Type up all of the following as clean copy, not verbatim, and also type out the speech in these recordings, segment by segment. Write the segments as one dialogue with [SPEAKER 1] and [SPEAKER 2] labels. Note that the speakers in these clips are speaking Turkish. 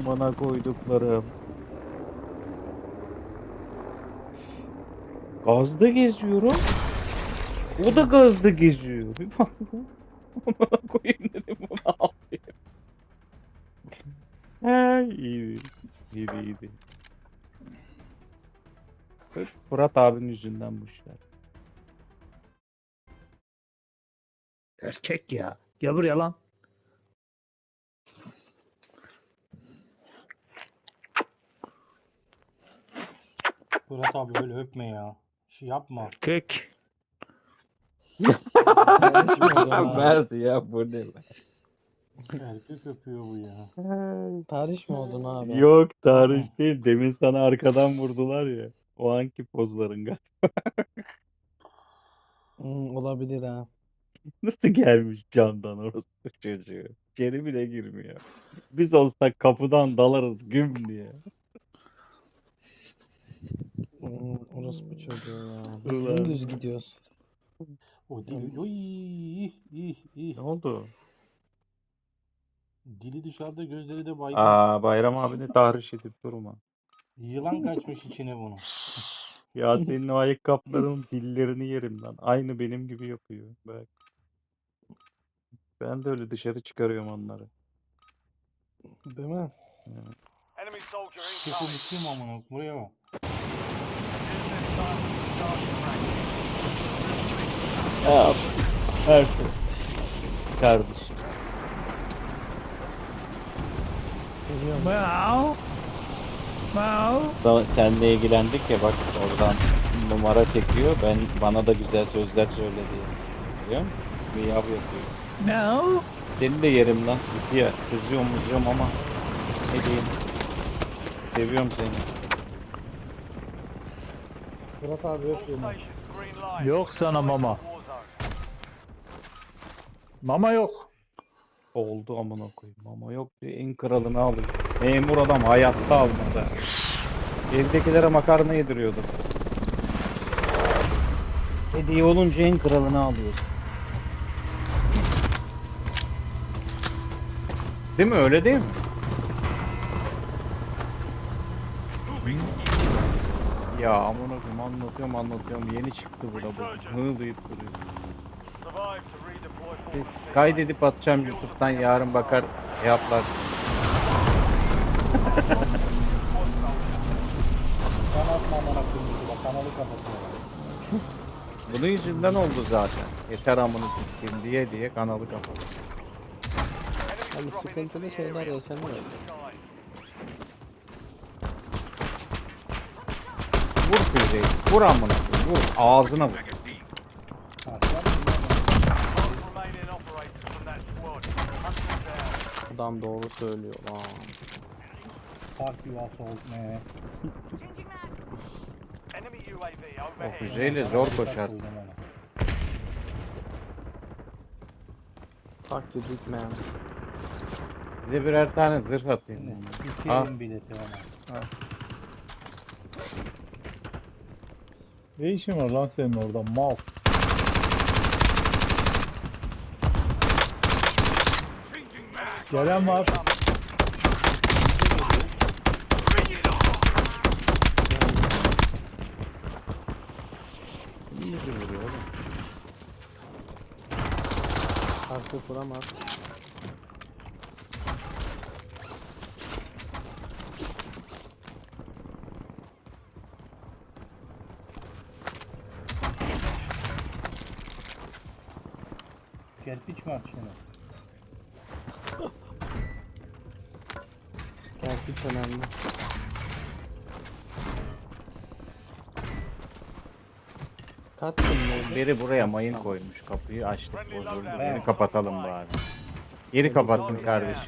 [SPEAKER 1] Amına koyduklarım. Gazda geziyorum. O da gazda geziyor. Bir baktım. Amına koyayım dedim, bu ne yapıyor? Ha, iyiydi. İyiydi iyiydi. Sırf Fırat abinin yüzünden bu işler.
[SPEAKER 2] Erkek ya. Gel buraya lan.
[SPEAKER 3] Fırat abi öyle öpme ya. Şey yapma.
[SPEAKER 2] Erkek.
[SPEAKER 1] Verdi ya, bu ne lan?
[SPEAKER 3] Erkek öpüyor bu ya.
[SPEAKER 4] Tarih mi oldun abi?
[SPEAKER 1] Yok, tarih değil. Demin sana arkadan vurdular ya. O anki pozların galiba.
[SPEAKER 4] Olabilir ha.
[SPEAKER 1] Nasıl gelmiş camdan orası çocuğu? İçeri bile girmiyor. Biz olsak kapıdan dalarız güm diye.
[SPEAKER 4] Orospu çocuğu ya. Biz
[SPEAKER 1] Ulan.
[SPEAKER 4] dümdüz gidiyoruz.
[SPEAKER 3] O dili. Oy, ih.
[SPEAKER 1] Ne oldu?
[SPEAKER 3] Dili dışarıda, gözleri de baygın.
[SPEAKER 1] Bayram abini tahriş edip durma.
[SPEAKER 3] Yılan kaçmış içine bunu.
[SPEAKER 1] Ya senin o ayakkabıların dillerini yerim lan. Aynı benim gibi yapıyor. Bak. Ben de öyle dışarı çıkarıyorum onları.
[SPEAKER 4] Değil mi?
[SPEAKER 1] Evet.
[SPEAKER 5] Enemy soldier
[SPEAKER 3] Sesi
[SPEAKER 5] incoming.
[SPEAKER 3] bitti amına? Buraya bak.
[SPEAKER 1] Ya her şey. Kardeşim.
[SPEAKER 4] Geliyorum.
[SPEAKER 1] Seninle ilgilendik ya, bak oradan numara çekiyor. Bana da güzel sözler söyledi. Biliyor musun? Miyav yapıyor.
[SPEAKER 2] No.
[SPEAKER 1] Seni de yerim lan. Ya kızıyorum ama ne diyeyim. Seviyorum seni.
[SPEAKER 3] Fırat abi öp beni.
[SPEAKER 5] Stations green light.
[SPEAKER 2] Yok sana mama.
[SPEAKER 5] War zone.
[SPEAKER 2] Mama yok.
[SPEAKER 1] Oldu amına koyayım. Ama yok diye en kralını alıyor. Memur adam hayatta almadı. Evdekilere makarna yediriyordu. Hediye olunca en kralını alıyorsun. Değil mi? Öyle değil mi? Ya amına koyayım, anlatıyorum. Yeni çıktı bu da bu. Hığlayıp duruyor.
[SPEAKER 5] Survive to redeploy
[SPEAKER 1] Biz
[SPEAKER 5] forward.
[SPEAKER 1] kaydedip atacağım YouTube'dan, yarın bakar yaplar.
[SPEAKER 3] Sen atma amına koyayım. Bak kanalı kapatıyor.
[SPEAKER 1] Bunun yüzünden oldu zaten. Yeter amını sikeyim diye kanalı kapattı.
[SPEAKER 4] Abi sıkıntılı şeyler yaşanıyor.
[SPEAKER 1] Vur füzeyi. Vur amına koyayım. Vur. Ağzına vur.
[SPEAKER 3] Karşılar mı?
[SPEAKER 5] Both remaining operators from that squad. Hunt them down.
[SPEAKER 4] Adam doğru söylüyor lan.
[SPEAKER 3] Fuck you asshole man.
[SPEAKER 5] Enemy UAV
[SPEAKER 1] O
[SPEAKER 5] overhead.
[SPEAKER 1] füzeyle zor koşar.
[SPEAKER 4] Fuck you big man.
[SPEAKER 1] Size birer tane zırh atayım.
[SPEAKER 3] İki
[SPEAKER 1] Ha.
[SPEAKER 3] elin bileti ona.
[SPEAKER 2] Ne işin var lan senin orada mal? Gelen var.
[SPEAKER 1] İyi de vuruyor oğlum.
[SPEAKER 4] Arka kuramaz.
[SPEAKER 3] Kerpiç mi atışını?
[SPEAKER 4] Gerçek önemli. Kaçtın mı?
[SPEAKER 1] Biri buraya mayın koymuş. Kapıyı açtık, bozuldu. Yeni kapatalım bari. Geri kapattım kardeşim.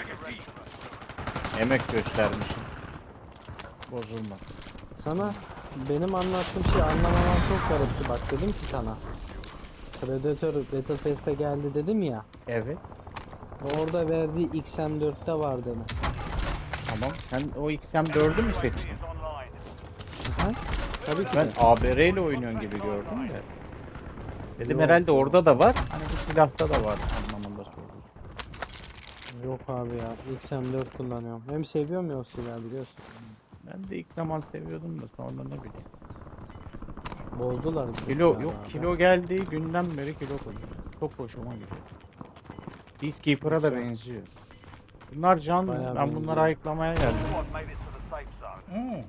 [SPEAKER 1] Emek göstermişim. Bozulmaz.
[SPEAKER 4] Sana benim anlattığım şey anlamaman çok garipti. Bak dedim ki sana. Predator Battlefest'e geldi dedim ya.
[SPEAKER 1] Evet.
[SPEAKER 4] Orada verdiği XM4'te var dedim.
[SPEAKER 1] Tamam. Sen o XM4'ü mü seçtin?
[SPEAKER 5] Is online.
[SPEAKER 4] Ha? Tabii ki
[SPEAKER 1] Ben
[SPEAKER 4] de.
[SPEAKER 1] ABR ile oynuyorsun gibi gördüm de. Dedim
[SPEAKER 4] Yok.
[SPEAKER 1] herhalde orada da var. Hani bu silahta da var anlamında sordum.
[SPEAKER 4] Yok abi ya. XM4 kullanıyorum. Hem seviyorum ya o silahı biliyorsun.
[SPEAKER 1] Ben de ilk zaman seviyordum da sonra ne bileyim.
[SPEAKER 4] Bozdular. bu
[SPEAKER 1] Kilo
[SPEAKER 4] silahı
[SPEAKER 1] yok,
[SPEAKER 4] abi.
[SPEAKER 1] kilo geldiği günden beri kilo koyuyor. Çok hoşuma gidiyor. Peacekeeper'a da
[SPEAKER 4] Güzel.
[SPEAKER 1] benziyor. Bunlar canlı.
[SPEAKER 4] Bayağı
[SPEAKER 1] Ben
[SPEAKER 4] benziyor.
[SPEAKER 1] bunları ayıklamaya geldim.
[SPEAKER 5] Squad made it to the safe zone.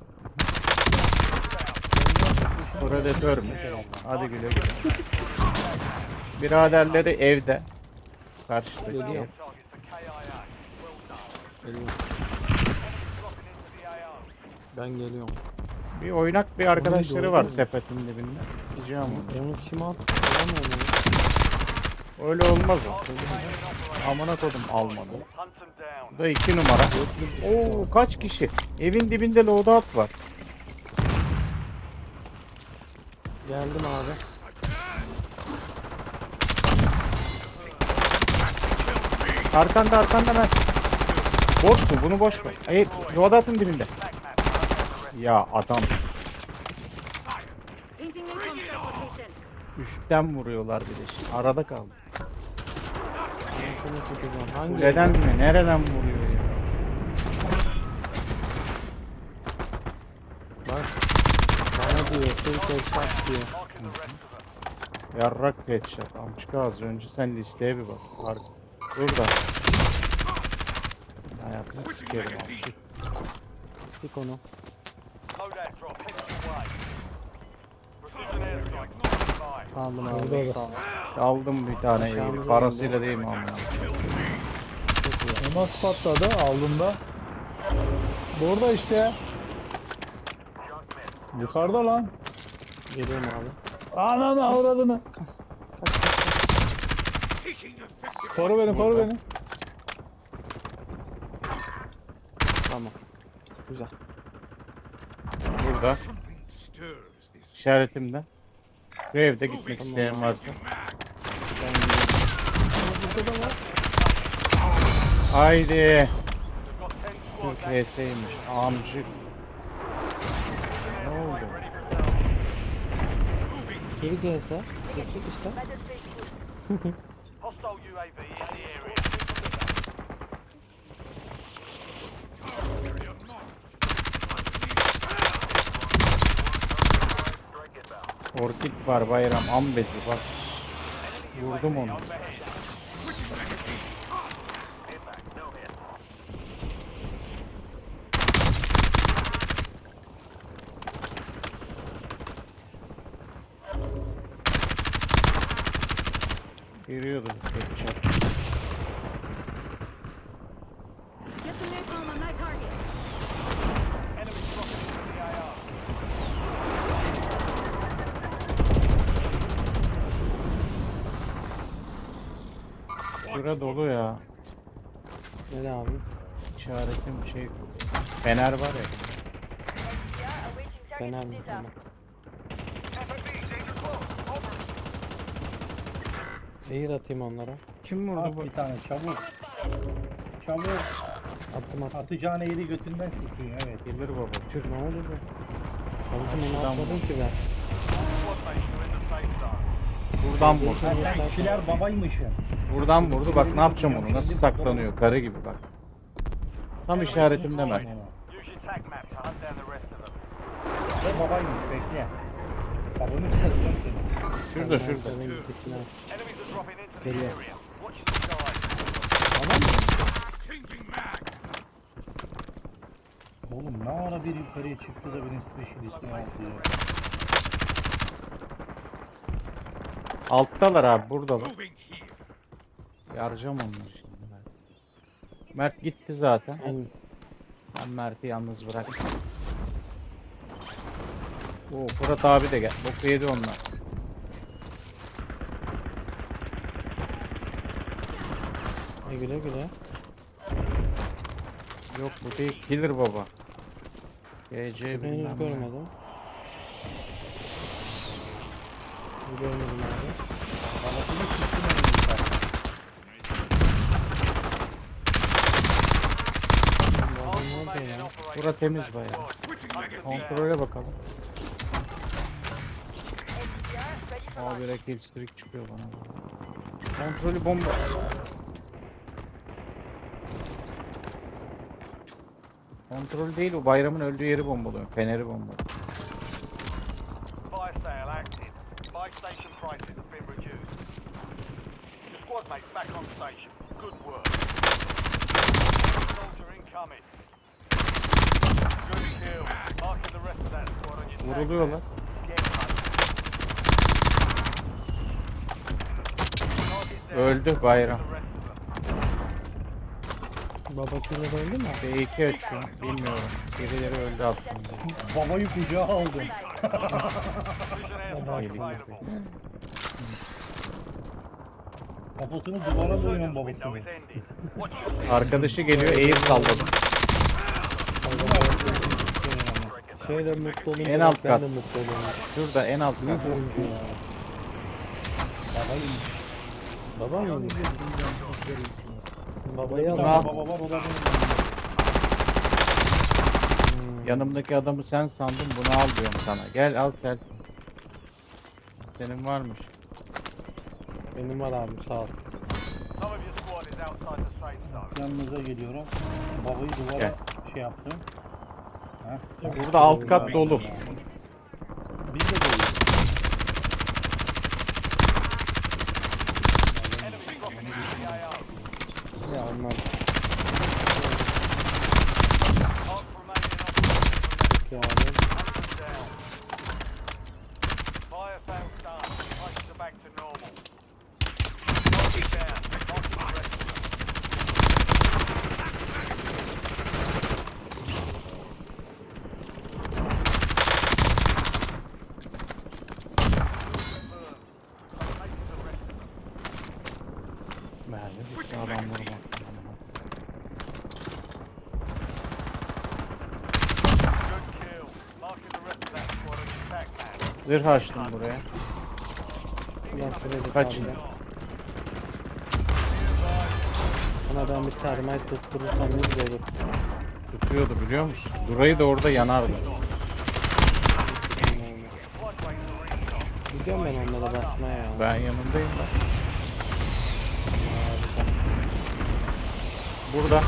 [SPEAKER 1] Predatörmüş. Hadi güle güle. Biraderleri evde. Karşıdaki
[SPEAKER 4] Geliyor.
[SPEAKER 1] ev.
[SPEAKER 5] Targets for KIA. Well done.
[SPEAKER 4] Geliyorum.
[SPEAKER 5] Dropping into the AO.
[SPEAKER 4] Ben geliyorum.
[SPEAKER 1] Bir oynak bir arkadaşları
[SPEAKER 4] doğru
[SPEAKER 1] var
[SPEAKER 4] değil mi?
[SPEAKER 1] sepetin dibinde. Gideceğim onu.
[SPEAKER 4] Onu kim attı? Alamıyorum ya.
[SPEAKER 1] Öyle olmaz o. Amına kodum almadı.
[SPEAKER 5] Hunt them down.
[SPEAKER 1] Bu da 2 numara. Oo kaç kişi? Evin dibinde loadout var.
[SPEAKER 4] Geldim abi.
[SPEAKER 1] Arkanda ben. Boş mu? Bunu boş ver. Hayır, loadout'un dibinde. Ya adam
[SPEAKER 6] Painting new contract location.
[SPEAKER 1] üstten vuruyorlar bir de. Şimdi arada kaldı.
[SPEAKER 4] Ben seni tutacağım. Hangi?
[SPEAKER 1] Kuleden mi? Nereden vuruyor ya?
[SPEAKER 4] Bak. Bana diyor. Türk headshot diyor.
[SPEAKER 5] Marking the rest of them.
[SPEAKER 1] Yarrak headshot. Amçıka az önce sen listeye bir bak. Burada. Hayatını sikerim amçık.
[SPEAKER 4] Tik onu.
[SPEAKER 5] Loadout drop heading your way. Precision airstrike. Stand by.
[SPEAKER 4] Aldım abi. Sağ ol.
[SPEAKER 1] Aldım bir tane
[SPEAKER 4] Aşağımıza
[SPEAKER 1] evi. Parasıyla değil mi amına?
[SPEAKER 2] O nasıl patladı aldığında? Burada işte. Yukarıda lan.
[SPEAKER 4] Geliyorum abi.
[SPEAKER 2] Ananı avradını. Koru beni.
[SPEAKER 4] Tamam. Güzel.
[SPEAKER 1] Burada. İşaretimde. Bu evde gitmek isteyen varsa.
[SPEAKER 4] Ben gidiyorum. Ama burada da var.
[SPEAKER 1] Haydi.
[SPEAKER 5] We've got 10 squads
[SPEAKER 1] Türk VS'ymiş. Amcık. Ne oldu?
[SPEAKER 5] ready for sale.
[SPEAKER 4] Geri gelse. Çektik işte.
[SPEAKER 5] Hostile UAV in the area.
[SPEAKER 1] Orkid var bayram. Ambesi bak. Vurdum onu. Giriyordum. Headshot.
[SPEAKER 6] Get the napalm on that target.
[SPEAKER 5] Enemy dropping into the AO.
[SPEAKER 1] Şura dolu ya.
[SPEAKER 4] Ne abi?
[SPEAKER 1] İşaretim şey. Fener var ya.
[SPEAKER 4] Fener mi? Tamam. Air atayım onlara.
[SPEAKER 1] Kim vurdu
[SPEAKER 2] At
[SPEAKER 1] bu?
[SPEAKER 2] bir tane çabuk. Çabuk.
[SPEAKER 4] Attım.
[SPEAKER 2] Atacağın eğri götünden sikeyim evet.
[SPEAKER 1] Gelir baba. Türk.
[SPEAKER 4] Ne oldu bu? Abicim onu
[SPEAKER 1] Karşıdan
[SPEAKER 4] atmadım
[SPEAKER 1] vur.
[SPEAKER 4] ki ben.
[SPEAKER 5] Squad mates are in the safe zone.
[SPEAKER 1] Buradan vurdu.
[SPEAKER 2] Ha, sen kişiler babaymışsın.
[SPEAKER 1] Buradan vurdu. Bak ne yapacağım onu. Nasıl saklanıyor. Karı gibi bak. Tam işaretimde Mert.
[SPEAKER 5] Use your tag map to hunt down the rest of them.
[SPEAKER 2] O babaymış bekle. Babanı çalacağım seni.
[SPEAKER 1] Şurada
[SPEAKER 4] Ben
[SPEAKER 1] şurada.
[SPEAKER 4] senin gitişine.
[SPEAKER 5] Enemies are dropping into the
[SPEAKER 4] Geliyor.
[SPEAKER 5] area. Watch the skies.
[SPEAKER 4] Tamam mı?
[SPEAKER 2] Oğlum ne ara bir yukarıya çıktı da benim specialist'imi aldı ya.
[SPEAKER 1] Alttalar abi. Buradalar. Yaracağım onları şimdi. Mert gitti zaten. Ben Mert'i yalnız bıraktım. Oo Fırat abi de gel. Boku yedi onlar.
[SPEAKER 4] Güle güle.
[SPEAKER 1] Yok bu değil. Killer baba. GC
[SPEAKER 4] Ben
[SPEAKER 1] bilmem
[SPEAKER 4] hiç
[SPEAKER 1] ne.
[SPEAKER 4] görmedim. Görmedim abi.
[SPEAKER 2] Babasını çıktı benim yukarı.
[SPEAKER 4] Bu adam nerede ya?
[SPEAKER 1] Bura temiz bayağı. Kontrole bakalım. Abi bir kill streak çıkıyor bana. Kontrolü bomba. Kontrol değil, o bayramın öldüğü yeri bombalıyor. Feneri bombalıyor.
[SPEAKER 5] Fire sale active. Buy station prices have been reduced. Your squad mates back on station. Good work. Soldier incoming. Good kill. Marking the rest of that squad on your tag
[SPEAKER 1] Vuruluyorlar.
[SPEAKER 5] map. Get hunting. Target down.
[SPEAKER 1] Öldü bayram.
[SPEAKER 5] The rest of them.
[SPEAKER 4] Baba killer öldü mü?
[SPEAKER 1] B2 açıyor. Bilmiyorum. Birileri öldü aslında.
[SPEAKER 2] Babayı kucağa aldım.
[SPEAKER 5] Prison airstrike available.
[SPEAKER 2] Kafasını duvara dönüyorum
[SPEAKER 5] Window
[SPEAKER 2] babasını.
[SPEAKER 5] is ending. Watch your
[SPEAKER 1] Arkadaşı geliyor, air salladı.
[SPEAKER 4] Şöyle mutlu olunca
[SPEAKER 1] En alt
[SPEAKER 4] ben
[SPEAKER 1] kat.
[SPEAKER 4] de mutlu oluyorum.
[SPEAKER 1] Şurada en alt kat.
[SPEAKER 4] Oyuncu ya.
[SPEAKER 2] Babayı
[SPEAKER 4] Baba mı? Babayı
[SPEAKER 2] Bir
[SPEAKER 4] al.
[SPEAKER 2] tane
[SPEAKER 1] al.
[SPEAKER 2] baba var, o da benim.
[SPEAKER 1] Yanımdaki adamı sen sandın, bunu al diyorum sana. Gel al selfie. Senin varmış.
[SPEAKER 4] Benim var abi sağ ol.
[SPEAKER 5] Some of your squad is outside the safe zone.
[SPEAKER 2] Yanınıza geliyorum. Babayı duvara
[SPEAKER 1] Gel.
[SPEAKER 2] şey yaptım. Heh.
[SPEAKER 1] Burada alt kat dolu.
[SPEAKER 2] Biz de doluyoruz.
[SPEAKER 5] Enemy dropping into the AO.
[SPEAKER 4] Ya onlar
[SPEAKER 5] Mark remaining operations
[SPEAKER 4] ya abi.
[SPEAKER 5] down. Fire sales done. Prices are back to normal. Target down. Marking the rest of them. Making the rest of them.
[SPEAKER 1] Merve bitti adamları bak.
[SPEAKER 5] Good kill. Marking the rest of that squad on your tag map.
[SPEAKER 1] Zırh açtım buraya.
[SPEAKER 4] Ulan söyledik
[SPEAKER 1] Kaç?
[SPEAKER 4] abi ya. Bana ben bir termite tutturursam ne güzel olur.
[SPEAKER 1] Tutuyordu biliyor musun? Durayı da orada yanardı.
[SPEAKER 4] Gidiyorum ben onlara basmaya ya.
[SPEAKER 1] Ben yanındayım ben. Burada.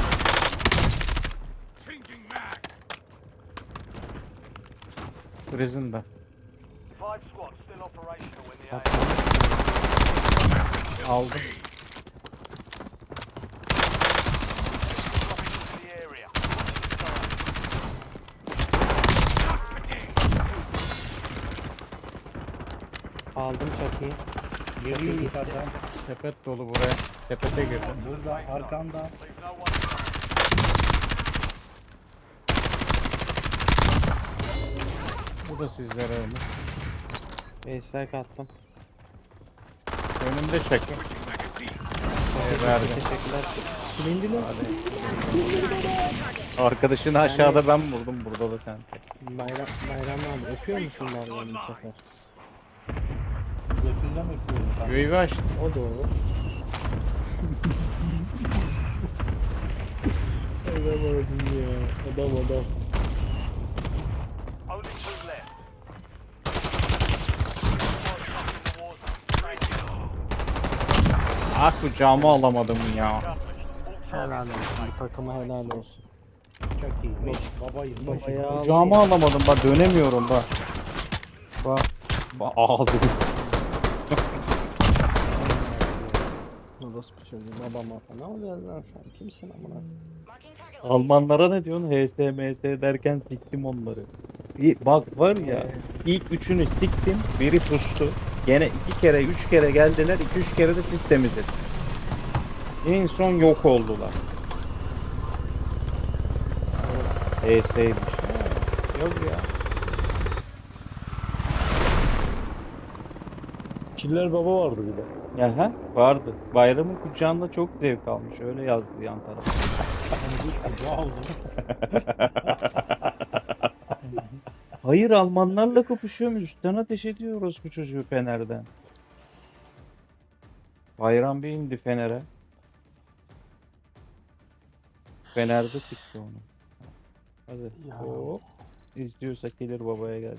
[SPEAKER 1] Prison'da.
[SPEAKER 5] 5 squads still operational in the
[SPEAKER 4] Bak,
[SPEAKER 5] AO.
[SPEAKER 1] Aldım.
[SPEAKER 5] Dropping into the area.
[SPEAKER 4] aldım çatıyı.
[SPEAKER 2] Geliyor yukarıdan.
[SPEAKER 1] Sepet dolu buraya. Sepete girdim.
[SPEAKER 2] Burada arkanda.
[SPEAKER 5] Leave no one behind.
[SPEAKER 1] Bu da sizlere öyle.
[SPEAKER 4] Base'ler kattım.
[SPEAKER 1] Önümde çekin. Verdim.
[SPEAKER 4] Teşekkürler. Silindiler.
[SPEAKER 1] Arkadaşını aşağıda ben vurdum. Burada da sen.
[SPEAKER 4] Bayram abi öpüyor musun Bayram'ı bu sefer?
[SPEAKER 2] Götünden öpüyorum.
[SPEAKER 1] UAV açtım.
[SPEAKER 4] O doğru. Adam oldun ya. Adam.
[SPEAKER 5] Only 2 left. Squads lost in the war zone. Thank you.
[SPEAKER 1] Ah kucağıma alamadım ya.
[SPEAKER 4] Helal olsun. Bu takıma helal olsun.
[SPEAKER 2] Çok iyi. Babayı.
[SPEAKER 4] Babaya al.
[SPEAKER 1] Kucağıma alamadım bak, dönemiyorum bak. Bak. Bak ağzım.
[SPEAKER 4] Orospu çocuğu babama. Ne oluyor lan sen? Kimsin amına?
[SPEAKER 1] Almanlara ne diyorsun? HSMS derken siktim onları. Bak var ya, ilk üçünü siktim, biri pustu. Gene 2 kere 3 kere geldiler, 2-3 kere de siz temizlediniz. En son yok oldular. HS'ymiş. Yok ya.
[SPEAKER 4] Killer baba vardı bir de.
[SPEAKER 1] Aha, vardı. Bayramın kucağında çok zevk almış. Öyle yazdı yan tarafa.
[SPEAKER 2] Kucağa aldım.
[SPEAKER 1] Hayır, Almanlarla kapışıyormuş. Üstten ateş ediyoruz bu çocuğu Fener'den. Bayram bir indi Fener'e. Fener'de çıktı onu. Hadi.
[SPEAKER 4] Ya.
[SPEAKER 1] Hop. İzliyorsa gelir babaya gel.